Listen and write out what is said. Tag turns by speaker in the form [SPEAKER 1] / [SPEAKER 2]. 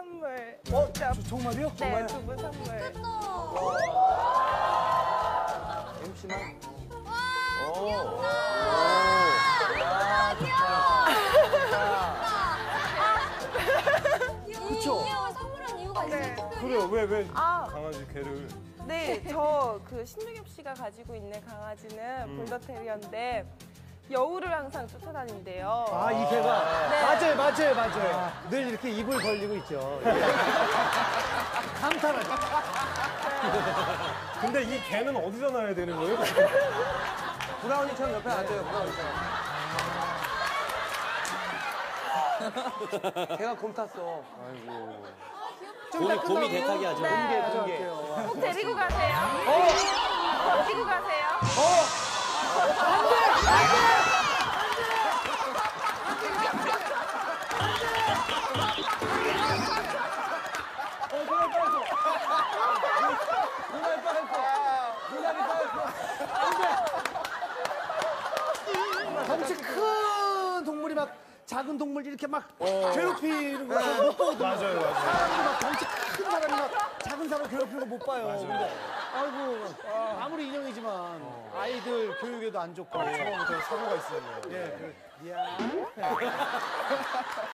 [SPEAKER 1] 선물.
[SPEAKER 2] 정말요?
[SPEAKER 1] 네, 두 분 선물.
[SPEAKER 2] MC만?
[SPEAKER 3] 그쵸? 인형을 선물한 이유가 있어요, 특별히?
[SPEAKER 2] 그래요. 왜
[SPEAKER 1] 아.
[SPEAKER 2] 강아지 개를?
[SPEAKER 1] 네, 저 그 신동엽 씨가 가지고 있는 강아지는 볼더테리어인데 여우를 항상 쫓아다닌대요.
[SPEAKER 4] 아, 이 개가?
[SPEAKER 1] 네.
[SPEAKER 4] 맞아요. 늘 이렇게 입을 벌리고 있죠. 감탄하죠.
[SPEAKER 2] 근데 이 개는 어디서 나야 되는 거예요?
[SPEAKER 5] 브라우니처럼 옆에 앉아요, 브라우니처럼. 걔가 곰 탔어.
[SPEAKER 6] 곰이 대타기 하죠.
[SPEAKER 1] 네. 꼭 데리고 가세요. 데리고 가세요.
[SPEAKER 4] 덩치 큰 동물이 막 작은 동물 이렇게 막 괴롭히는 거 못 보거든요.
[SPEAKER 2] 맞아요.
[SPEAKER 4] 사람이 막 덩치 큰 사람이 막 작은 사람 괴롭히는 거 못 봐요. 근데 아이고 아무리 인형이지만 아이들 교육에도 안 좋고
[SPEAKER 2] 처음부터 사고가 있었네요.
[SPEAKER 4] 미안.